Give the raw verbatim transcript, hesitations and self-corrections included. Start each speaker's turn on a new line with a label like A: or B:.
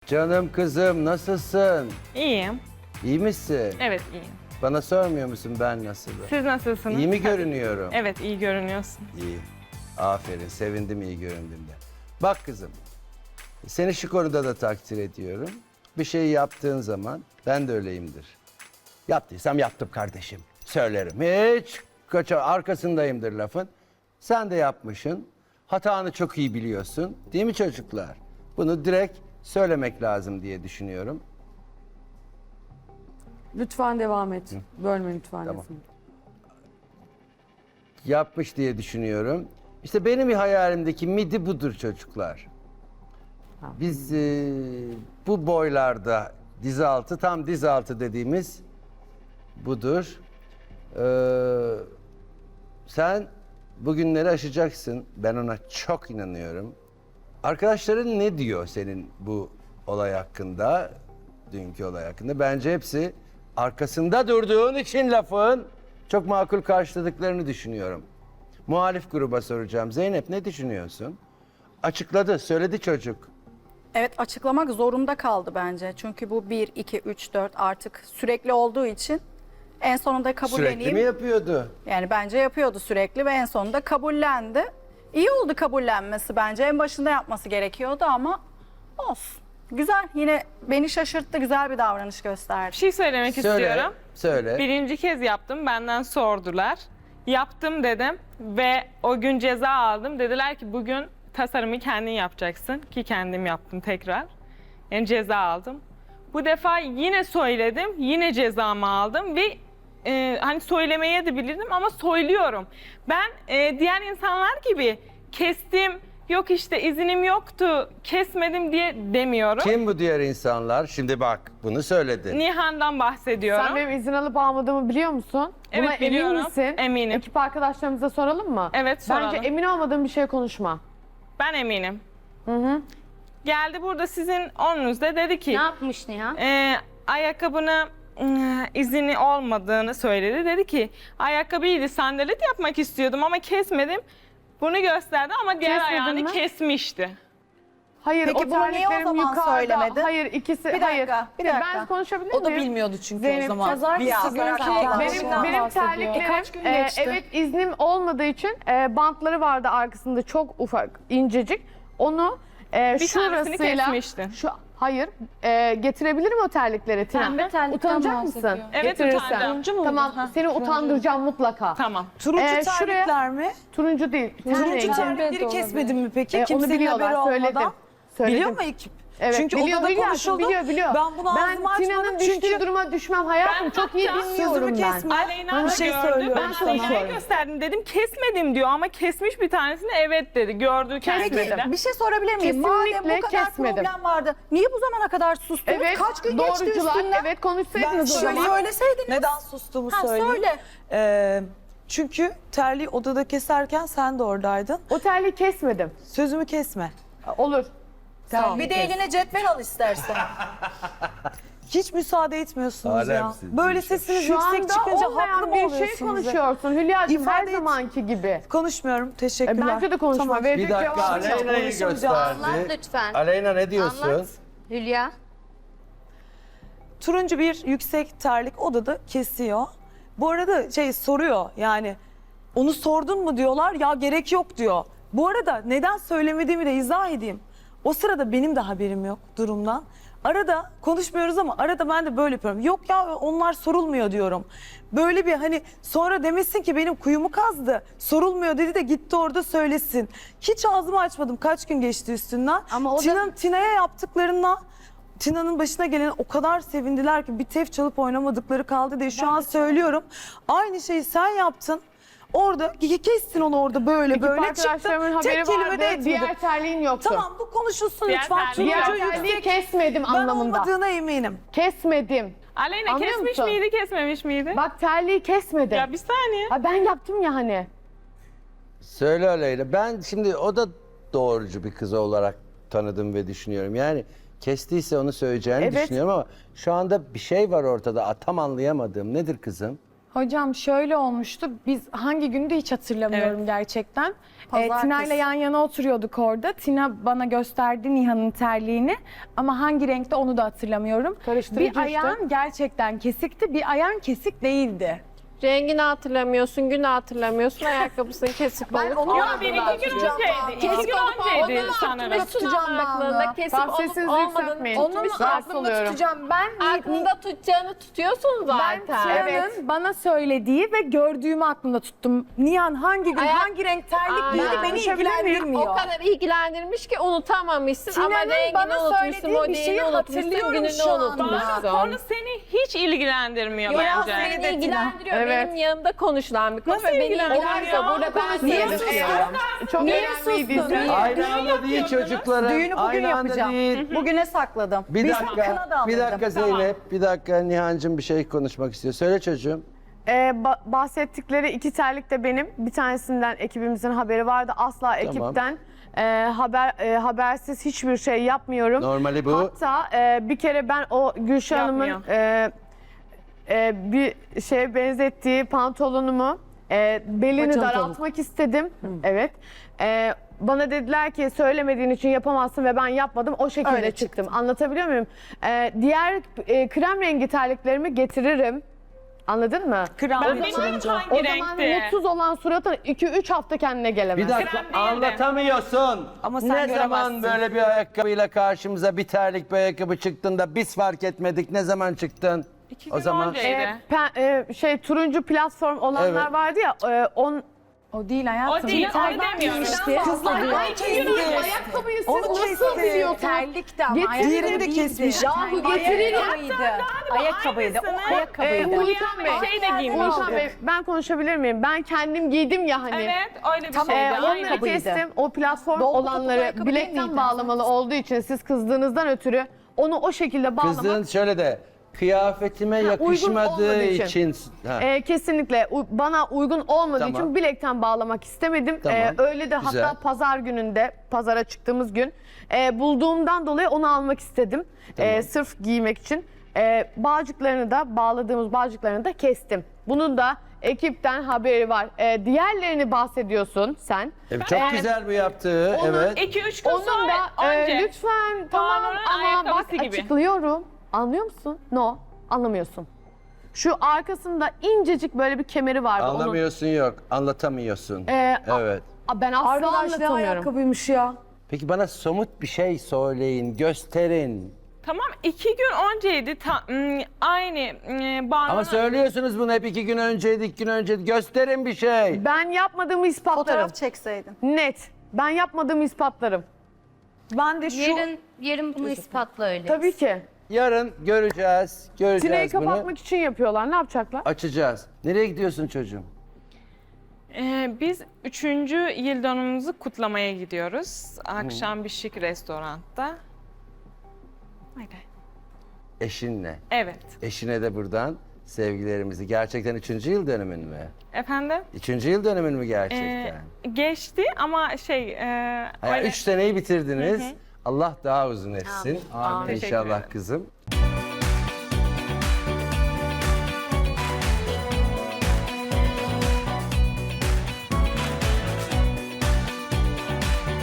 A: Canım kızım nasılsın?
B: İyiyim.
A: İyi misin?
B: Evet iyiyim.
A: Bana sormuyor musun ben nasılım?
B: Siz nasılsınız?
A: İyi mi görünüyorum?
B: Evet iyi görünüyorsun.
A: İyi. Aferin. Sevindim iyi göründüğümde. Bak kızım. Seni şu konuda da takdir ediyorum. Bir şeyi yaptığın zaman ben de öyleyimdir. Yaptıysam yaptım kardeşim. Söylerim. Hiç kaça arkasındayımdır lafın. Sen de yapmışsın. Hatanı çok iyi biliyorsun. Değil mi çocuklar? Bunu direkt söylemek lazım diye düşünüyorum.
C: Lütfen devam et. Bölme lütfen.
A: Tamam.
C: lafını.
A: Yapmış diye düşünüyorum. İşte benim hayalimdeki midi budur çocuklar. Biz e, bu boylarda diz altı, tam diz altı dediğimiz budur. Ee, sen bugünleri aşacaksın. Ben ona çok inanıyorum. Arkadaşların ne diyor senin bu olay hakkında, dünkü olay hakkında? Bence hepsi arkasında durduğun için lafın çok makul karşıladıklarını düşünüyorum. Muhalif gruba soracağım. Zeynep ne düşünüyorsun? Açıkladı, söyledi çocuk.
D: Evet, açıklamak zorunda kaldı bence. Çünkü bu bir, iki, üç, dört artık sürekli olduğu için en sonunda kabulleneyim.
A: Sürekli mi yapıyordu?
D: Yani bence yapıyordu sürekli ve en sonunda kabullendi. İyi oldu kabullenmesi bence. En başında yapması gerekiyordu ama olsun. Güzel, yine beni şaşırttı, güzel bir davranış
B: Bir
D: gösterdi.
B: şey söylemek
A: Söyle,
B: istiyorum.
A: söyle.
B: Birinci kez yaptım. Benden sordular. Yaptım dedim ve o gün ceza aldım. Dediler ki bugün tasarımı kendin yapacaksın. Ki kendim yaptım tekrar. Yani ceza aldım. Bu defa yine söyledim. Yine cezamı aldım ve e, hani söylemeye de bilirdim ama söylüyorum. Ben e, diğer insanlar gibi kestim, yok işte izinim yoktu, kesmedim diye demiyorum.
A: Kim bu diğer insanlar? Şimdi bak bunu söyledin.
B: Nihan'dan bahsediyorum.
C: Sen benim izin alıp almadığımı biliyor musun?
B: Evet,
C: Buna emin
B: biliyorum.
C: misin?
B: Eminim.
C: Ekip arkadaşlarımıza soralım mı?
B: Evet, soralım.
C: Bence emin olmadığın bir şey konuşma.
B: Ben eminim.
C: Hı hı.
B: Geldi burada sizin onunuzda dedi ki
E: Ne yapmış Nihan?
B: e, ayakkabını ıı, izini olmadığını söyledi. Dedi ki ayakkabıydı, sandalet yapmak istiyordum ama kesmedim. Bunu gösterdi ama diğer
C: Kesmedin
B: ayağını
C: mi?
B: kesmişti.
C: Hayır,
D: Peki
C: o
D: bunu niye o
C: terliklerim
D: zaman
C: yukarıda.
D: söylemedin?
C: Hayır, ikisi.
D: Bir dakika,
C: hayır.
D: bir dakika.
C: Ben konuşabilir
F: O da
C: miyim?
F: bilmiyordu çünkü
C: Zeynep,
F: o zaman.
D: pazartesi
F: Bir
D: günü
F: hafta
D: kaldı.
F: kaldı.
C: Benim,
D: Başından
C: benim
D: bahsediyor.
C: terliklerim,
D: E, kaç gün
C: e,
D: geçti?
C: evet iznim olmadığı için e, bantları vardı arkasında çok ufak, incecik. Onu e,
B: Bir tanesini
C: şurasıyla,
B: kesmişti.
C: şu, hayır, e, getirebilirim o terlikleri Tina.
E: Pembe terlikten
C: Utanacak
E: bahsediyor.
C: mısın?
B: Evet,
C: Getirirsen.
B: utanacağım.
F: Turuncu mu
C: Tamam,
F: oldu? Ha,
C: seni utandıracağım mutlaka.
B: Tamam.
F: Turuncu
C: Ee, şuraya-
F: terlikler mi?
C: Turuncu değil. ten
F: Turuncu
C: rengi.
F: terlikleri kesmedin mi peki?
C: E, onu
F: Kimsenin
C: biliyorlar,
F: haberi
C: söyledim.
F: olmadan.
C: Söyledim.
F: Biliyor mu ekip?
C: Evet,
F: Çünkü
C: biliyor,
F: odada
C: biliyor,
F: konuşuldu.
C: biliyor, biliyor.
F: Ben bunu ağzımı
C: Ben Tina'nın
F: açmadım
C: düştüğü
F: çünkü
C: duruma düşmem hayatım.
B: Ben
C: çok iyi
B: hatta
C: dinliyorum
F: sözümü
C: ben.
F: kesme.
B: Aleyna
F: Bir
B: da
F: şey
B: gördü.
F: söylüyorum
B: Ben
F: sana.
B: Aleyna'ya gösterdim dedim kesmedim diyor ama kesmiş bir tanesini evet dedi. Gördü kendisi de.
D: Bir şey sorabilir miyim?
C: Kesinlikle
D: Madem bu kadar
C: kesmedim.
D: problem vardı, niye bu zamana kadar sustunuz?
C: Evet,
D: Kaç gün geçti
C: doğrucular,
D: üstünden?
C: evet
F: Ben
C: konuşsaydınız o
F: şöyle
C: zaman.
D: Söyleseydiniz.
F: Neden sustuğumu
D: Ha,
F: söyleyeyim.
D: söyle.
F: Ee, çünkü terliği odada keserken sen de oradaydın.
C: O terliği kesmedim.
F: Sözümü kesme.
C: Olur.
F: Sağ ol.
D: Bir de eline cetvel al istersen.
F: Hiç müsaade etmiyorsunuz ya.
A: Alemsin,
F: Böyle
A: bir şey.
F: sesiniz
C: Şu
F: yüksek
C: anda
F: çıkınca haklı
C: olmayan
F: mı
C: bir şey
F: oluyorsunuz? ya?
C: konuşuyorsun Hülya'cığım her
F: İfade et.
C: zamanki gibi.
F: Konuşmuyorum.
C: E,
F: Teşekkürler.
C: bence de konuşma.
F: Tamam.
C: Verecek
A: Bir dakika
C: cevabı yok.
A: Aleyna'yı gösterdi.
E: Anlat lütfen.
A: Aleyna ne diyorsun?
E: Anlat. Hülya.
F: Turuncu bir yüksek terlik odada kesiyor. Bu arada şey soruyor yani onu sordun mu diyorlar ya gerek yok diyor. Bu arada neden söylemediğimi de izah edeyim. O sırada benim de haberim yok durumdan. Arada konuşmuyoruz ama arada ben de böyle yapıyorum. Yok ya onlar sorulmuyor diyorum. Böyle bir hani sonra demesin ki benim kuyumu kazdı. Sorulmuyor dedi de gitti orada söylesin. Hiç ağzımı açmadım. Kaç gün geçti üstünden.
E: Ama o da-
F: Tina, Tina'ya yaptıklarına Tina'nın başına gelen o kadar sevindiler ki bir tef çalıp oynamadıkları kaldı diye şu an söylüyorum. Aynı şeyi sen yaptın. Orada kestin onu orada böyle
C: Ekip
F: böyle çıktın.
C: arkadaşlarımın haberi
F: Tek kelime de
C: vardı.
F: etmedin.
C: Diğer terliğin yoktu.
F: Tamam bu konuşulsun
B: Diğer
F: lütfen.
B: terliği
C: Diğer
F: Turuncu
C: terliği
F: yüksek.
C: kesmedim
F: Ben
C: anlamında.
F: olmadığına eminim.
C: Kesmedim.
B: Aleyna
C: Anlıyor
B: kesmiş
C: musun?
B: miydi kesmemiş miydi?
C: Bak terliği kesmedim.
B: Ya bir saniye.
C: Ha, ben yaptım ya hani.
A: Söyle Aleyna. Ben şimdi o da doğrucu bir kız olarak tanıdım ve düşünüyorum. Yani kestiyse onu söyleyeceğini
C: Evet.
A: düşünüyorum ama şu anda bir şey var ortada. Tam anlayamadığım. Nedir kızım?
G: Hocam şöyle olmuştu. Biz hangi günde hiç hatırlamıyorum
B: Evet.
G: gerçekten. Ee,
D: Pazartesi.
G: Tina ile yan yana oturuyorduk orada. Tina bana gösterdi Nihan'ın terliğini ama hangi renkte onu da hatırlamıyorum.
C: Karıştırıcı
G: Bir
C: işte.
G: ayağın gerçekten kesikti, bir ayağın kesik değildi.
H: Rengini hatırlamıyorsun, günü hatırlamıyorsun, ayakkabısını kesip alıp
B: Yok bir iki gün önceydi. İki gün önceydi sanırım.
H: tutacağım aklında kesip
C: Tamam,
H: olup
C: sesinizi
H: olmadığını
C: yükseltmeyin.
G: Onu mu
C: Rahatsız
G: aklımda
C: oluyorum.
G: tutacağım? Ben
H: aklında tutacağını tutuyorsun
G: ben
H: zaten.
G: Tina'nın bana söylediği ve gördüğümü aklımda tuttum. Nihan hangi gün,
H: Ayak-
G: hangi renk terlik
H: Aa,
G: giydi beni
C: konuşabilir miyim?
G: ilgilendirmiyor.
H: O kadar ilgilendirmiş ki unutamamışsın ama
G: Tina'nın
H: rengini
G: bana
H: unutmuşsun,
G: söylediği bir şeyi
H: modelini unutmuşsun,
G: hatırlıyorum
H: gününü
G: şu anda.
H: unutmuşsun.
B: Bana konu seni hiç ilgilendirmiyor
H: Ya
B: bence.
H: seni ilgilendiriyor.
C: Evet.
H: Benim yanımda konuşulan bir konu
B: Nasıl
H: ve beni
B: ilgilendiriyor?
H: ilgilendiriyor. Burada ben
C: Niye
H: seni
C: susuyorsun?
H: istiyorum.
C: Çok
G: Niye
C: önemliydi.
G: sustun?
C: izle.
A: Aynı anda değil çocuklarım.
D: Düğünü bugün
A: Aynı anda
D: yapacağım.
A: değil.
D: Bugüne sakladım.
A: Bir
D: Biz
A: dakika,
D: kına da
A: bir
D: alırdım.
A: dakika Zeynep, bir dakika Nihan'cığım bir şey konuşmak istiyor. Söyle çocuğum.
C: Ee, ba- bahsettikleri iki terlik de benim. Bir tanesinden ekibimizin haberi vardı. Asla ekipten e, haber e, habersiz hiçbir şey yapmıyorum.
A: Normali bu.
C: Hatta e, bir kere ben o Gülşah Hanım'ın
B: Yapmıyor.
C: e, e, bir şeye benzettiği pantolonumu e, belini
G: Paçalı
C: daraltmak istedim. Evet. E, bana dediler ki söylemediğin için yapamazsın ve ben yapmadım. O şekilde
D: Öyle
C: çıktım. Anlatabiliyor muyum? E, diğer e, krem rengi terliklerimi getiririm. Anladın mı?
G: Kral
B: Ben
G: da
B: bilmiyorum
G: turuncu.
B: hangi
C: O zaman
B: renkti.
C: mutsuz olan suratın iki üç hafta kendine gelemez.
A: Bir dakika
B: Krem değil de.
A: anlatamıyorsun.
G: Ama sen
A: ne zaman
G: göremezsin.
A: böyle bir ayakkabıyla karşımıza bir terlik bir ayakkabı çıktığında biz fark etmedik. Ne zaman çıktın?
B: İki
A: O
B: gün
A: zaman
B: önceydi.
C: E, pe- e, şey turuncu platform olanlar
A: Evet.
C: vardı ya e, on
G: O değil hayatım.
B: O değil,
G: Bir tane
B: onu demiyorum.
G: giymişti. Kızlar
B: Ay,
G: ay
B: iki gün
G: kesti.
B: önce.
C: ayakkabıyı siz
G: Onu
C: nasıl
G: kesti.
C: biliyorsunuz?
D: Terlikti ama.
C: Getirin.
G: Diğerini de kesmiş.
C: Yahu getirin.
D: Ayakkabıydı. Ayakkabıydı. O
B: aynısını-
C: Ee,
D: ayakkabıydı.
C: Uğurkan Bey,
B: şey de giymişti.
C: Uğurkan Bey, ben konuşabilir miyim? Ben kendim giydim ya hani.
B: Evet öyle bir
C: Ee,
B: şeydi.
C: onları
B: aynen.
D: ayakkabıydı.
C: kestim. O platform
D: Dolgu topuklu
C: olanları
D: ayakkabı değil
C: bilekten
D: miydi?
C: bağlamalı olduğu için siz kızdığınızdan ötürü onu o şekilde bağlamak
A: kızın şöyle de kıyafetime
C: uygun
A: yakışmadığı
C: olmadığı için.
A: için. Ha.
C: e, kesinlikle u- bana uygun olmadığı
A: Tamam.
C: için bilekten bağlamak istemedim.
A: Tamam,
C: Ee, öyle de
A: güzel.
C: hatta pazar gününde, pazara çıktığımız gün e, bulduğumdan dolayı onu almak istedim.
A: Tamam.
C: E, sırf giymek için. E, bağcıklarını da, bağladığımız bağcıklarını da kestim. Bunun da ekipten haberi var. E, diğerlerini bahsediyorsun sen.
A: Evet, çok
C: Ee,
A: güzel bu yaptığı.
B: Onun
A: Evet.
B: iki üç gün
C: Onun
B: sonra
C: da e,
B: önce.
C: lütfen tamam
B: Kaan'ın
C: ama bak
B: ayakkabısı gibi.
C: açıklıyorum. Anlıyor musun? No, anlamıyorsun. Şu arkasında incecik böyle bir kemeri vardı. Onun-
A: Anlamıyorsun yok. Anlatamıyorsun.
C: Ee, a-
A: evet.
C: a, ben asla
G: Arkadaş ne
C: anlatamıyorum.
G: ayakkabıymış ya.
A: Peki bana somut bir şey söyleyin, gösterin.
B: Tamam iki gün önceydi. Ta, ım, aynı ım, Banu'nun-
A: Ama söylüyorsunuz bunu hep iki gün önceydi, iki gün önceydi. Gösterin bir şey.
C: Ben yapmadığımı ispatlarım.
D: Fotoğraf çekseydin.
C: Net. Ben yapmadığımı ispatlarım.
F: Ben de şu
E: Yarın, yarın bunu ispatla öyle.
C: Tabii ki.
A: Yarın göreceğiz,
C: Sineği
A: göreceğiz bunu.
C: kapatmak için yapıyorlar. Ne yapacaklar?
A: Açacağız. Nereye gidiyorsun çocuğum?
B: Ee, biz üçüncü yıl dönümümüzü kutlamaya gidiyoruz. Akşam bir şık restoranda. Öyle.
A: Eşinle.
B: Evet.
A: Eşine de buradan sevgilerimizi. Gerçekten üçüncü yıl dönümün mü?
B: Efendim?
A: Üçüncü yıl dönümün mü
B: Ee,
A: gerçekten?
B: geçti ama şey... E,
A: Hayır,
B: öyle-
A: üç seneyi bitirdiniz. Allah daha uzun etsin. Amin
B: Teşekkür
A: inşallah
B: ederim.
A: kızım.